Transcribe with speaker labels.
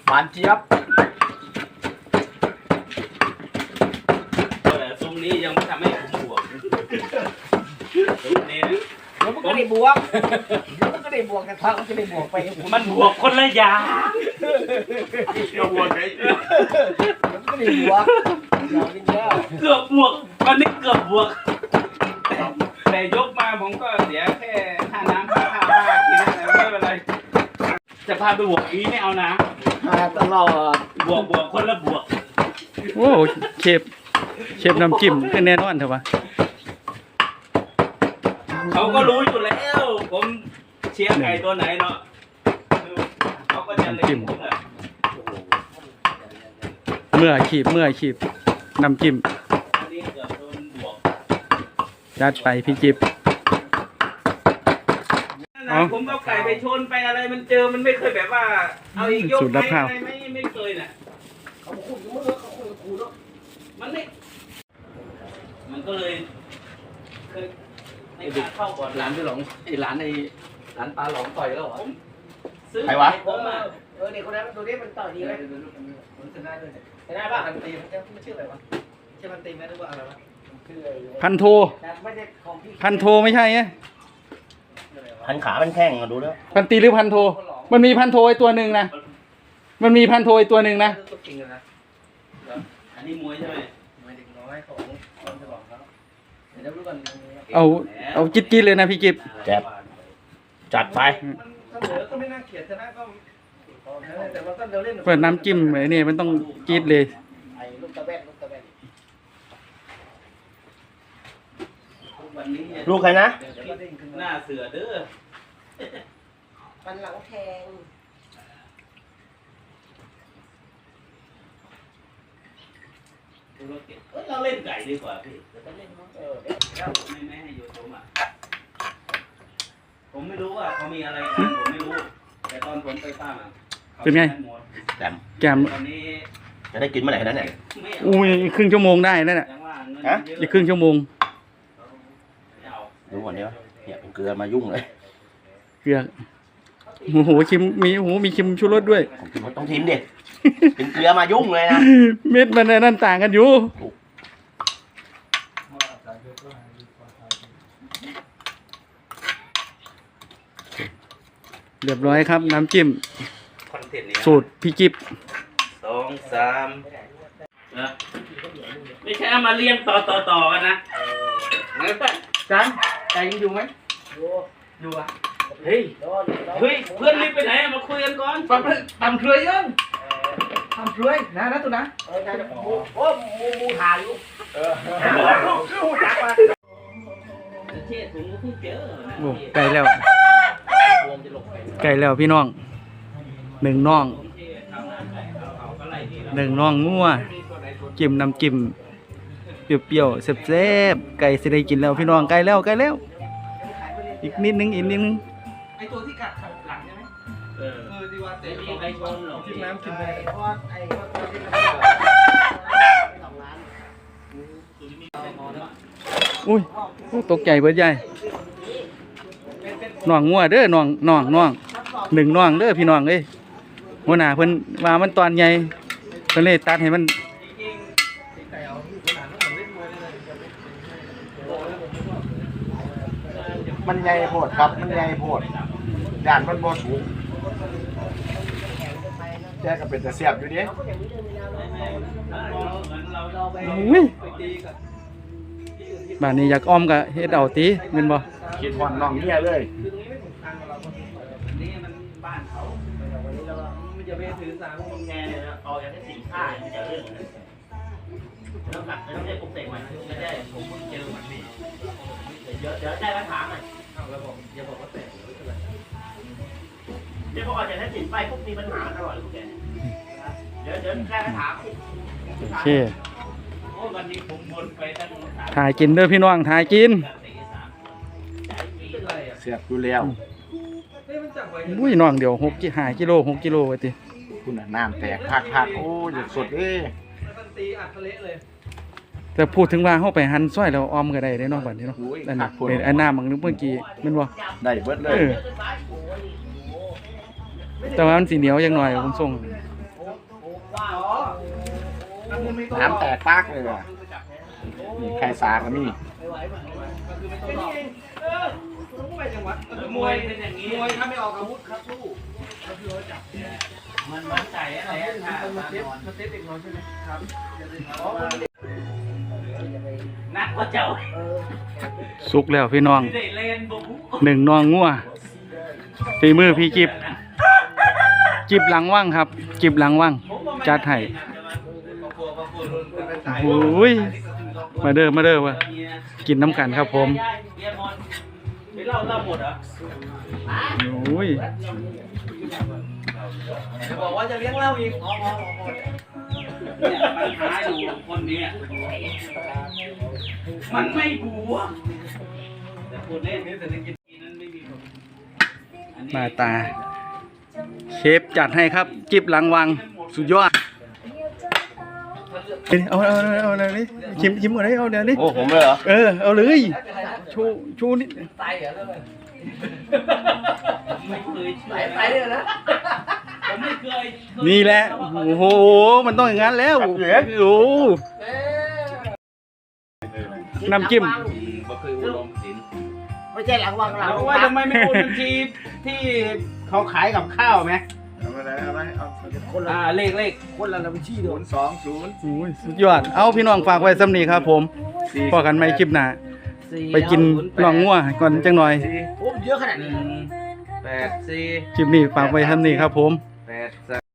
Speaker 1: หวานเจี๊ยบ
Speaker 2: ซุ้มนี้ยังไม่ทำให้ผมบวกซุ้มนี้
Speaker 1: เดี๋ยวมันก็ได้บวกแต่ทางมันจะได้บวกไป
Speaker 2: มันบวกคนละอย่าง
Speaker 1: เดี๋ยวมันก็ได้บวก
Speaker 2: เกือบบวกวันนี้เกือบบวกแต่ยกมาผมก็เสียแค่ค่าน้ำค่าข้าวค่ากินอะไรไม่เป็นไรจะพาไปบวกอีไม่เอานะ
Speaker 1: ตลอด
Speaker 2: บวกคนละบวก
Speaker 3: โอ้เชฟน้ำจิ้มก็แน่นอนเถอะวะ
Speaker 2: เขาก็รู้อยู่แล้วผมเชียร์ไก่ตัวไหนเนาะเขาก็จะเล่นผมอะ
Speaker 3: เมื่อขีบน้ำจิ้ม
Speaker 2: อันนี้เกือบโดนบวก
Speaker 3: ยัดไปพี่จิ๊บ
Speaker 2: ผมเอาไก่ไปชนไปอะไรมันเจอมันไม่เคยแบบว่าเอาอีกยกไปอะไรไม่เคยน่ะมันก็เลยเคยในการเข้าก่อน
Speaker 1: ร้านพี่หลงร้านปลาหลงต่อยแล้วเหรอ
Speaker 2: ซื้อไก่ผมอ่ะ
Speaker 1: เด็กคนนั้นดูดิมันต่อยดีไหมมันชนะด้วยชนะป่ะมันตีมันชื่ออะไรวะใช่มันตีไหมหรือว่าอะไรวะ
Speaker 3: พันโท
Speaker 1: ไม่ใช่ของพี่
Speaker 3: พันโทไม่ใช่ไง
Speaker 4: พันขาเป็นแข้งอะดูแล้ว
Speaker 3: พันตีหรือพันโทมันมีพันโทไอตัวหนึ่งนะมันมีพันโทไอตัวหนึ่งนะ
Speaker 1: ตัวจริงเลยนะ
Speaker 2: อันนี้มวยใช่ไหม
Speaker 1: มวยเด็กน้อยของคนฉลองแล้วเดี๋ยวรู้กัน
Speaker 3: เอาจิ๊ดเลยนะพี่จิ๊บ
Speaker 4: แจ็บจัดไป
Speaker 1: มันเสมอก็ไม่น่าเกลียดชนะก็แต่ว่าก็เดี๋ยวเล่น
Speaker 3: เปิดน้ำจิ้มไอ้นี่มันต้องจี๊ดเลย
Speaker 1: ไอ้ลูกตะแบก
Speaker 2: วันนี้
Speaker 4: ลูกใครนะ
Speaker 2: หน้าเสือเด้อ
Speaker 1: ฟันหลังแทง
Speaker 2: เราเล่นไก่ดีกว่าพี่
Speaker 1: เล่นมั้ง
Speaker 2: ไม่ให้โยนผมอ่ะผมไม่รู้ว่าเขามีอะไรกันผมไม่รู้แต่ตอนผมไปป้า
Speaker 3: เป็นไง
Speaker 4: แจม
Speaker 3: แกม
Speaker 2: ตอนนี้
Speaker 4: จะได้กินเมื่อไหร่นั้นเนี่ย
Speaker 2: ไม่
Speaker 3: อุ้ยอีกครึ่งชั่วโมงได้นั่นแหละ
Speaker 2: ยังว่าเงิน
Speaker 4: ฮะ
Speaker 2: เยอะ
Speaker 3: อีกครึ่งชั่วโมง
Speaker 2: ไม่เอา
Speaker 4: ดูก่อนเดียวเนี่ยเป็นเกลือมายุ่งเลย
Speaker 3: เกลือโอ้โหคิมมีคิมชูรสด้วย
Speaker 4: ผมกินต้องทิมดิเป็นเกลือมายุ่งเลยนะ
Speaker 3: เม็ดมันนั่นต่างกันอยู่เรียบร้อยครับน้ำจิ้ม
Speaker 2: คอนเทนต์นี้
Speaker 3: สูตรพี่จิ๊บ
Speaker 2: 2 3นะไม่ใช่เอามาเรียงต่อกันนะ
Speaker 1: จันใจยังอยู่ไหมอยู่อ่ะ
Speaker 2: เฮ้ยเพื่อนรีบไปไหนมาคุยกันก่อน
Speaker 1: ตำเคยยังตำเคยนะตัวนะโอ้มูหาอยู่
Speaker 2: เทศผมก็เพิ่งเจอนะ
Speaker 3: โอ้ไกลแล้วพี่น้องหนึ่งน่องงัวจิ้มน้ำจิ้มเปรี้ยวๆแซ่บๆไก่สิได้กินแล้วพี่น้องไกลแล้วอีกนิดนึง
Speaker 1: ไอตัวที่กัดหลังใช่ไหมที่ว่าเตะ
Speaker 2: มีใครชนหรอก
Speaker 1: กินน้ำกินอะไรเพราะว่าไอ้ตัวที่มัน2 ล้าน
Speaker 3: อุ้ยตกใจเบิดใหญ่น่องงัวเด้อน่องหนึ่งน่องเด้อพี่น้องเอ้ยหัวหน้าเพิ่นว่ามันตอนใหญ่เพิ่นเลยตัดให้มัน
Speaker 5: มันใหญ่โพดครับ มันใหญ่โพดด่านมันบ่สูงแจ้ก็เป็นแต่เสียบอยู่ดิ
Speaker 3: อุ้ยบ้านนี้อยากอ้อมก็เฮ็ดเอาติแม่นบ่
Speaker 5: คิดฮอดน้องเมียเลย
Speaker 2: นี่มันบ้านเขา
Speaker 1: มันจะไปถือสาร
Speaker 4: พวกแกเนี่ยเอาอย่างที่สิ่งค่ามันจะเรื่องแล้วหนักไม่ต้องได้ปลุกเสกใหม่ไม่ได้ผมเพิ่งเจอมันนี่เดี๋ยวได้คำถามหน่อย
Speaker 1: แล้วบอกอย่าบอกว่าแตก
Speaker 4: เดี๋ยวพอออกจากนั้นสินไปพวกมีปัญหาตลอดพวกแกเดี๋ยวได้คำถาม
Speaker 3: โอเค
Speaker 2: โอ้วันนี้ผมบนไปตั้ง3
Speaker 3: ถ่ายกินเด้อพี่น้องถ่ายกิน
Speaker 1: เป็นไรอ่ะ
Speaker 5: เสียบอยู่แล้ว
Speaker 1: เฮ้ยมันจับไว้
Speaker 3: อุ้ยน้องเดี๋ยว5 กิโล6 กิโลไว้ติ
Speaker 5: คุณน่ะน้ำแตกพักโอ้ยสดเอ้ย
Speaker 1: มันตีอัดทะเลเลย
Speaker 3: แต่พูดถึงว่าเฮาไปหั่นซอยแล้วอ้อมก็ได้เด้เนาะบัดนี้เนาะนั่นน่ะเป็นอันน้ำบางนึงเมื่อกี้แม่นบ่
Speaker 5: ได้เบิดเลย
Speaker 3: แต่ว่ามันสีเหนียวอย่างหน่อยผมส่ง
Speaker 1: โอ้
Speaker 5: น้ำแตกปากเลยว่ะนี่ไข่สาก็มี
Speaker 2: มวยเป็นอย่างนี้
Speaker 1: มวยถ้าไม่ออกอาวุธครับสู้
Speaker 2: มันมั่นใจอะไรถ้ามันเซฟเด็กน้อยใช่ไหมครับนักกว่าเจ้า
Speaker 3: สุกแล้วพี่น้อง
Speaker 2: ได้เล่นบุก
Speaker 3: หนึ่งนองงัวฝีมือพี่จิบจิบหลังว่างครับจิบหลังว่างจัดให้โอ้ยมาเด้อว่ะกินน้ำกันครับผม
Speaker 2: ไม่เล่าหมดเหรอ
Speaker 3: โอ้ย
Speaker 1: จะบอกว่าจะเลี้ยงเหล้าอีกอ๋อ
Speaker 2: เนี่ยปัญหาอยู่คนนี้มันไม่บวกแต่คนเล่นนี่เศรษฐกิจนั้นไม่มีผล
Speaker 3: มาตาเชฟจัดให้ครับจิบหลังวังสุดยอดเอาเลยชิมก่อนเลยเอาเดี๋ยวนี้
Speaker 5: โอ้ผมเลยเหรอ
Speaker 3: เอาเลยชูนิด
Speaker 1: ตายเหรอเลย
Speaker 2: ไม่เคยเชื่อ
Speaker 1: ตายเลยนะ
Speaker 2: ผมไม่เคย
Speaker 3: นี่แหละโอ้โหมันต้องอย่างนั้นแล้วโอ้น้ำจิ้ม
Speaker 5: ไม่ใช่หลังวางหลัง
Speaker 2: ว่าทำไมไม่โอนบัญชีที่เขาขายกับข้าวไหม
Speaker 5: เอาไปเอาคนละ
Speaker 2: เลข
Speaker 5: คนละบัญชีเดียว020
Speaker 3: โอ้ยสุดยอดเอาพี่น้องฝากไว้สำนีครับผมพอกันไม่คลิปหน้าไปกินน่องงัวก่อนจังหน่อย
Speaker 1: โอ้เยอะขนาดนี้
Speaker 2: 8 4
Speaker 3: คลิปนี้ฝากไว้สำนีครับผม
Speaker 2: 8